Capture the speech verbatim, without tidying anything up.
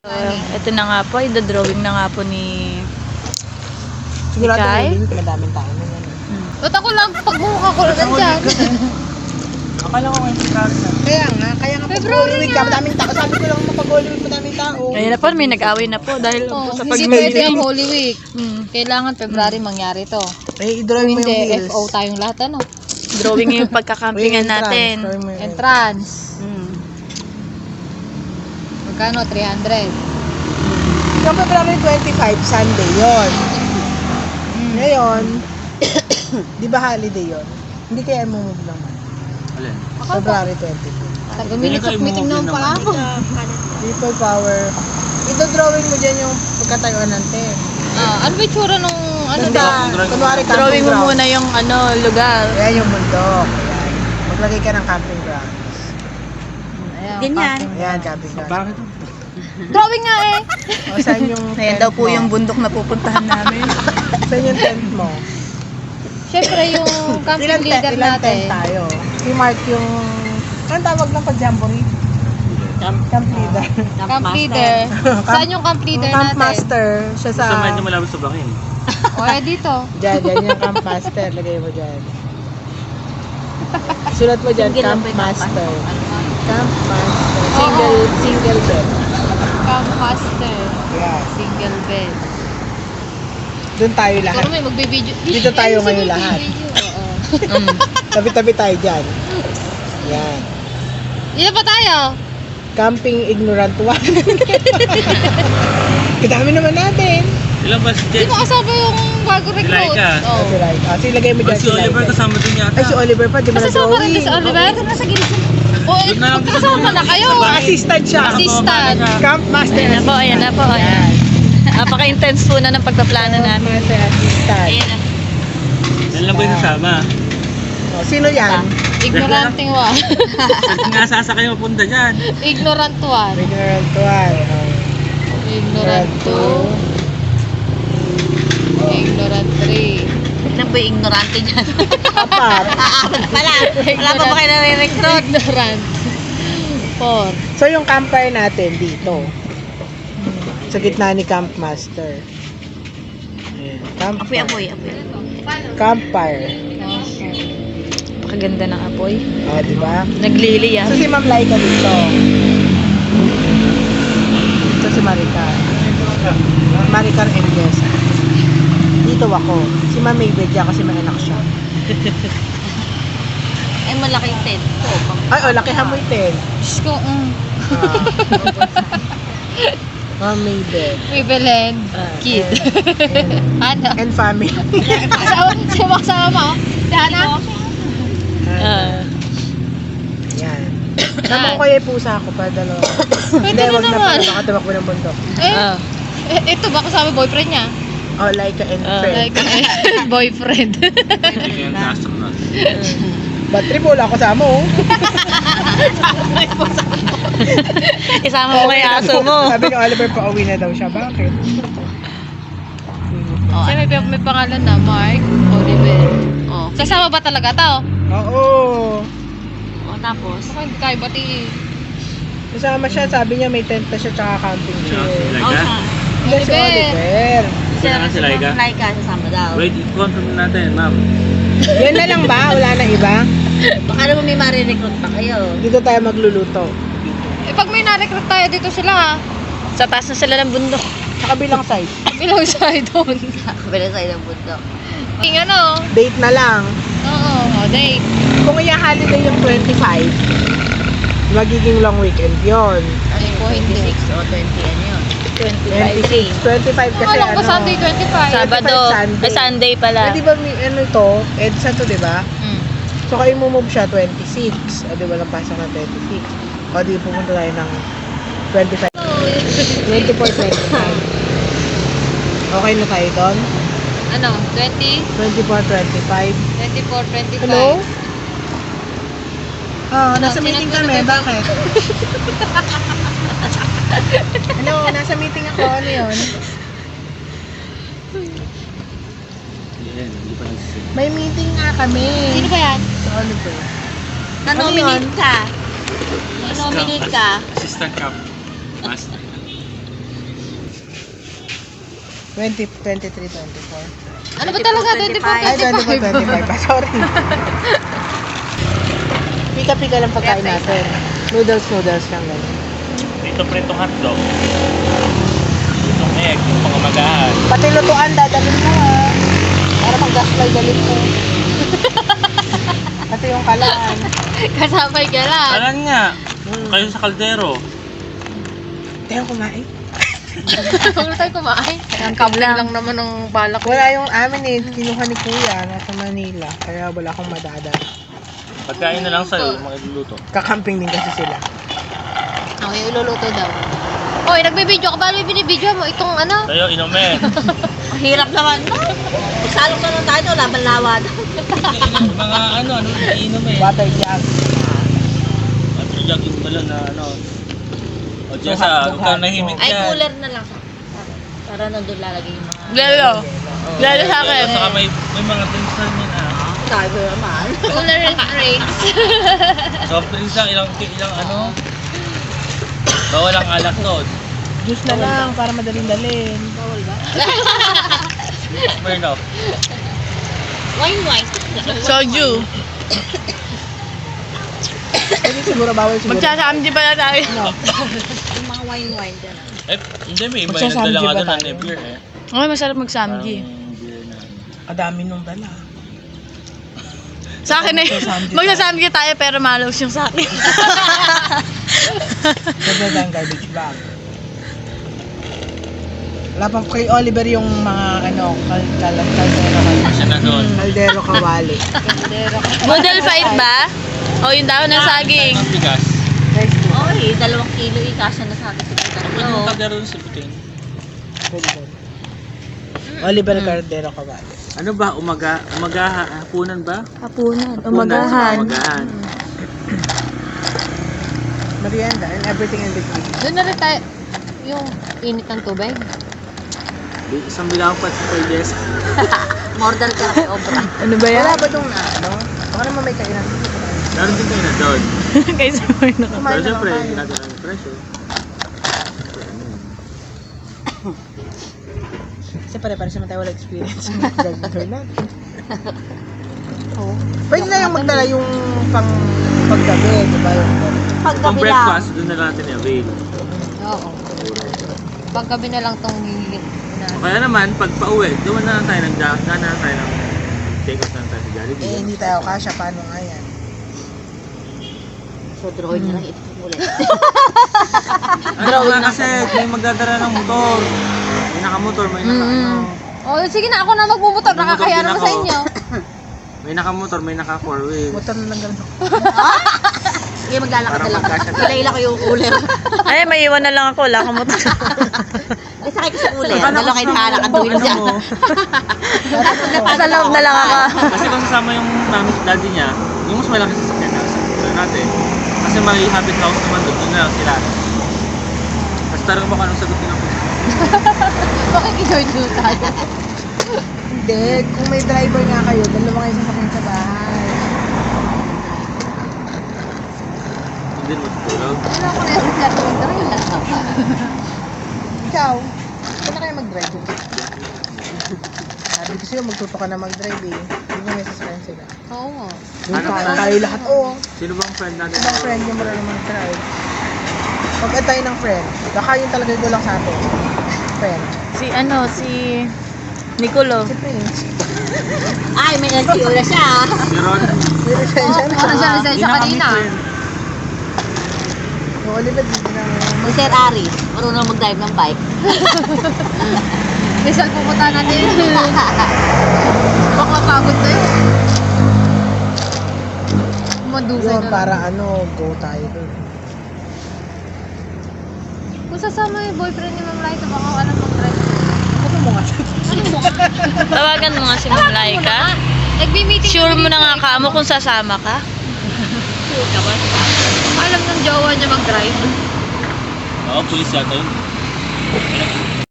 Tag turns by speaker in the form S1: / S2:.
S1: Uh, ito na nga po, i-drawing na nga po ni
S2: Sigurado
S1: Kai.
S2: na madaming tao na yan.
S1: Hmm.
S3: Ba't ako lang pagbuka ko lang dyan?
S2: Akala ko ngayon February na. Kaya nga, kaya nga
S3: February
S2: pag-Holy Week ka, madaming tao. Sabi ko lang mapag-Holy Week, madaming tao.
S1: Ayun na po, may nag-away na po dahil po
S3: Oh,
S1: sa
S3: hindi
S1: pag
S3: pwede ang Holy Week.
S1: Hmm.
S3: Kailangan February mangyari to.
S2: Eh, i-drawing mo yung
S3: Hindi,
S2: wheels.
S3: F O tayong lahat ano.
S1: Drawing yung pagkakampingan natin.
S2: Drawing mo yung
S3: Entrance.
S1: Hmm.
S3: Magkano? three hundred.
S2: Yung February twenty-five, Sunday yon. Ngayon, di ba holiday yon? Hindi kaya move naman.
S4: Alin?
S2: February twenty-two.
S3: Taga-minutes of meeting naman pala ako.
S2: People power. Ito drawing mo dyan yung pagkatayuan natin.
S3: Ah, ano ba yung tsura nung ano
S2: Ganda.
S3: ba?
S2: Kunwari camping
S1: Drawing mo
S2: ground.
S1: muna yung ano, lugar.
S2: Ayan yung bundok. Ayan. Maglagay ka ng camping ground.
S3: Ayan,
S1: Ganyan.
S3: parking.
S2: Ayan, camping ground.
S4: Bakit?
S3: Drawing nga eh.
S2: O, saan yung
S1: Ayan
S2: tent
S1: daw po
S2: mo?
S1: yung bundok na pupuntahan namin.
S2: Saan yung tent mo?
S3: Siyempre yung camping
S2: Ilan, tent,
S3: leader
S2: ilan tent
S3: natin.
S2: tayo? I-mark yung... Anong tawag ng pag-jamboree? Camp, camp leader.
S3: Camp leader. Saan yung camp leader
S2: Yung camp
S3: natin?
S2: master. Siya sa...
S4: Sa medyo malapit sa bakin.
S3: O eh dito.
S2: Diyan, diyan yung camp master. Lagay mo dyan. Sulat mo dyan,
S1: Single
S2: camp
S1: lang ba yung
S2: master.
S3: Ano nga?
S2: Camp master. Single, single bed.
S3: Camp master.
S2: Yeah.
S3: Single bed.
S2: Doon tayo lahat.
S3: Ikaw may magbibideo.
S2: Dito tayo
S3: Ay,
S2: ngayon
S3: sige,
S2: lahat.
S3: magbibideo. Oo.
S1: Hmm.
S2: Tabi-tabi tayo dyan. Yan.
S3: Dito pa tayo.
S2: Camping ignorant one. Kadami naman natin.
S4: Ilan ba si
S3: Di
S4: Jen?
S3: mo kasama yung bago recruit.
S4: Laika.
S3: Oh.
S2: Si Rai. Ah, sige, lagay mo
S4: Oh,
S2: dyan
S4: si Oliver kasama din yata.
S2: Ay, si Oliver pa, di ba
S3: Kasama rin
S2: na-drawing?
S3: din si Oliver. Nasa gilid. O, eh,
S4: Doon na lang,
S3: magkasama na kayo.
S4: sa bahay.
S2: Assistant siya.
S3: Assistant.
S2: Camp master.
S1: Ayan na po, ayan na po. Ayan. Napaka-intense po na ng pagpaplano
S2: Camp
S1: namin.
S2: master assistant.
S1: Ayan na.
S4: Yan lang ba yung kasama?
S2: Oh, sino yan?
S3: Ignorante one.
S4: Saan nga sasakay mapunta dyan?
S3: Ignorant one.
S2: Ignorant one. Oh.
S3: Ignorant two. Ignorant three.
S1: Ilan po yung ignorante dyan?
S2: Apat.
S1: Apat pala. Wala pa ba kayo nare-recruit?
S3: Ignorant. Four.
S2: So, yung campfire natin dito. Sa gitna ni Camp Master. Ayan. Camp
S1: Apoy, apoy, apoy.
S2: Campfire.
S1: Pakaganda ng apoy.
S2: Oh, di ba?
S1: Naglili ah.
S2: So, si Ma'am Laika dito. Ito si Maricar. Maricar Endes. Dito ako. Si Ma'am Maybed dyan kasi may anak siya.
S1: Ay, malaking tent po.
S2: Ay, oh, lakihan mo iten.
S3: Diyos ko, mm.
S2: Ah. Ma'am Maybed.
S3: May Belen.
S2: Ah,
S3: Kid.
S2: and,
S3: Ano?
S2: and family.
S3: Kasama, sino kasama mo? Si Hana?
S1: Ah.
S2: Yan. Naman ko yung pusa ko para dalawa.
S3: Pwede na
S2: wag na
S3: naman.
S2: pala. Nakatawak mo ng bundok.
S3: Eh,
S1: Ah.
S3: eh, ito ba kasama boyfriend niya?
S2: Oh, Laika and
S1: Ah.
S2: friend.
S3: Like, eh, boyfriend.
S4: Hindi kayong astronaut.
S2: Ba't trip wala ako sa mo?
S1: Isama mo kay aso mo.
S2: Sabi ni Oliver pa uwi na daw siya. Bakit?
S1: Oh,
S3: Kasi may, may pangalan na, Mark Oliver.
S1: oh.
S3: Kasama ba talaga to?
S2: Oo.
S1: Oh, tapos?
S3: Ako hindi tayo bati.
S2: Kasama siya. Sabi niya may tent na siya tsaka camping
S4: Sino? Si
S2: chair.
S4: Laika?
S2: Hindi si
S3: Oliver.
S2: Oliver.
S4: Sino nga si Laika?
S1: Laika, sasama daw.
S4: Wait, confirm natin, ma'am.
S2: Yan na lang ba? Wala na iba?
S1: Baka naman may marirecruit pa kayo.
S2: Dito tayo magluluto.
S3: Eh, pag may na-recruit tayo dito sila ha.
S1: Sa taas na sila ng bundok.
S2: Sa kabilang side.
S3: Bilang side doon.
S1: Kabila sa ng bundok.
S3: King ano?
S2: Date na lang.
S3: Oo, oh, date.
S2: Kung i-holiday yung twenty-five, magiging long weekend yon.
S1: Ano yung
S3: po, hindi.
S1: twenty-six o twenty, ano yun? twenty-five.
S2: twenty-six. twenty-five kasi
S3: Akala ko
S2: ano.
S3: ba Sunday twenty-five?
S1: Sabado.
S2: Sunday.
S1: Ay, Sunday pala.
S2: Eh, di ba may ano ito? EDSA to, di ba?
S1: Mm.
S2: So, kayo move siya twenty-six. O, di ba lang pasok na twenty-six? O, di pupunta tayo ng twenty-five. twenty-four, twenty-five. Okay na tayo doon?
S3: Ano? twenty?
S2: twenty-four, twenty-five.
S3: twenty-four, twenty-five.
S2: Hello? Ah,
S3: Ano,
S2: nasa meeting kami. Bakit? Ano, nasa meeting ako. Ano yun?
S4: Yan, hindi pa nagsisimula.
S2: May meeting nga kami.
S3: Sino ba yan?
S2: Sa Oliver.
S1: Na-nominate
S2: Ano
S1: ka. Na-nominate ka.
S4: Assistant cap. Master.
S2: twenty, twenty-three, twenty-four.
S3: Ano ba talaga? twenty-four,
S2: Ay, twenty-four,
S3: twenty-five.
S2: twenty-five pa. Sorry. Pika-pika lang pagkain natin. Noodles, noodles lang ganyan.
S4: Dito pritong hotdog. Pritong egg, yung mga magahan.
S2: Pati lutuan, dadalhin mo ha. Para mag-gaspay dalhin mo. Pati yung kalaan.
S3: Kasabay ka lang.
S4: Kalan nga. Kayo sa kaldero.
S2: Tayo kumain.
S3: Huwag na tayo kumain. Ang kablang lang naman ng balak.
S2: Wala yung amin eh. Kinuha ni Kuya. Nasa Manila. Kaya wala akong madadala.
S4: Pagkain na lang sa'yo, yung mga iluluto.
S2: Kakamping din kasi sila.
S3: Ako yung iluluto daw. Hoy, nagbibideo ka ba? Ano yung binibideo mo? Itong ano?
S4: Sa'yo, inumin.
S1: Ang hirap naman. No? Salong na lang tayo, laban lawad.
S4: Mga ano, ano, inumin.
S2: Water jug.
S4: At jug yung balon na ano. O Jessa, huwag kang nahimik
S1: Ay,
S4: yan.
S1: cooler na lang. Para nandun lalagay yung mga...
S2: Lalo. Lalo sa
S4: Pero saka may, may mga drinks na yun ah.
S1: Sabi naman.
S3: Cooler and drinks.
S4: Soft drinks lang, ilang, ilang ano. Bawal ang alak doon.
S2: Juice na lang para madaling dalhin.
S1: Bawal ba?
S4: Smirnoff.
S1: Wine, wine.
S2: Soju. Pwede siguro bawal siguro. Magsasamdi pala tayo. No.
S1: Yung mga wine, wine dyan.
S4: Eh, hindi, may iba yung
S2: Magsasamdi
S4: nagdala nga
S2: ba
S4: doon
S2: tayo?
S4: ng beer eh.
S5: Ay, masarap magsamgi.
S4: Parang beer na.
S2: Kadami nung dala.
S5: Sa akin eh,
S2: Magsasamgi
S5: magsasamgi tayo pero malos yung sa akin.
S2: Pwede lang garbage bag. Wala pang kay Oliver yung mga ano, kal kal kaldero
S4: Siya na doon.
S2: kaldero kawali.
S5: Model fight ba? O yung daon ng saging.
S4: Ang bigas.
S2: Next to.
S1: Oy, dalawang kilo ikasya na sa akin sa
S4: Ano yung
S1: tatlo.
S4: kaldero doon sa buting?
S2: Pwede ba? Oliver Caldero kawali.
S4: Ano ba? Umaga? Umaga? Hapunan ba?
S5: Hapunan.
S4: Hapunan,
S5: Umagahan.
S4: Umagahan.
S2: Merienda and everything in between.
S3: Doon na rin tayo. Yung init ng tubig.
S4: Di- Isang bilang pa sa kay Jess.
S1: Order ka kay Obra.
S5: Ano ba yan?
S2: Wala ba itong ano? Baka naman may kainan.
S4: Meron din kayo na doon.
S5: Kaysa mo na.
S4: Pero
S2: Kumain na
S4: siyempre,
S2: lang
S4: hindi
S2: tayo.
S4: natin ang presyo.
S2: Kasi pare-pare naman tayo wala experience. Gagawin natin.
S3: Oo.
S2: Pwede na yung magdala yung pang paggabi, di ba? Yung
S4: Kung
S1: Paggabi lang.
S4: breakfast, doon na natin i-avail.
S3: Oo. Paggabi na lang tong hihigit na.
S4: O kaya naman, pag pauwi, doon na lang tayo ng daan na lang tayo ng take off na lang tayo sa
S2: eh,
S4: Jollibee.
S2: hindi tayo kasya. Paano nga yan?
S1: So, drawing na lang ito ulit.
S4: Ano nga kasi, may magdadala ng motor. May nakamotor, may naka ano.
S3: Oh, sige na ako na magbubutor.
S4: Magbubutor
S3: Nakakaya
S4: din
S3: naman
S4: ako.
S3: sa inyo.
S4: May nakamotor, may naka four wheels.
S2: Motor na lang ganun.
S1: Sige, maglalakad
S4: Para
S1: na lang.
S4: magkasya.
S1: Ila-ila ko yung cooler.
S5: Ay, may iwan na lang ako. Wala akong motor.
S1: Ay, sakay ko sa cooler.
S4: Paano
S1: Dalawa kayo
S4: kung-
S1: nakalakad
S4: ano
S1: doon dyan.
S4: mo?
S5: Sa loob na lang ako.
S4: Kasi kung sasama yung mami at daddy niya, yung mas malaki sa sakyan na sa natin. Kasi may habit house naman doon, doon na lang sila. Tapos tarang mo kung anong sagutin ako.
S3: Bakit i-join tayo?
S2: Hindi, kung may driver nga kayo, dalawa kayo sasakyan sa bahay.
S4: Hindi mo tutulog.
S3: Ano ako na yung flat mag-drive?
S2: Ikaw, saan na kayo mag-drive? Sabi ko sa'yo, magtuto ka na mag-drive eh. Hindi mo may sasakyan sila.
S3: Oo nga.
S2: Doon
S4: Ano
S2: ka,
S4: ba?
S2: tayo lahat. Oo.
S4: Sino bang friend natin?
S2: Ibang friend yung marunong mag-drive. Pag tayo ng friend, baka yun talaga yung gulang sa atin. Friend.
S5: Si ano, si Nicolo.
S2: Si Prince.
S1: Ay, may nagsiula siya. ah.
S4: Si Ron.
S2: May lisensya na.
S3: Ano siya lisensya
S4: Hindi na kami
S3: kanina?
S4: friend.
S2: Yung Oliver, hindi na
S1: Si Sir Ari, marunong mag-drive ng bike.
S3: Rizal pupunta natin yun. Baka pagod na yun. Madusay
S2: yun,
S3: na.
S2: para ano, go tayo doon.
S3: Kung sasama yung boyfriend ni Ma'am Liza, baka alam mag-drive.
S2: Ano mo nga?
S5: Tawagan mo nga si Ma'am Laika.
S3: Nagbi-meeting
S5: Sure
S3: kami
S5: mo na
S3: dito,
S5: nga
S3: eh.
S5: ka mo kung sasama ka.
S1: Sure ka ba?
S3: Baka alam ng jowa niya mag-drive.
S4: Oo, pulis yata yun.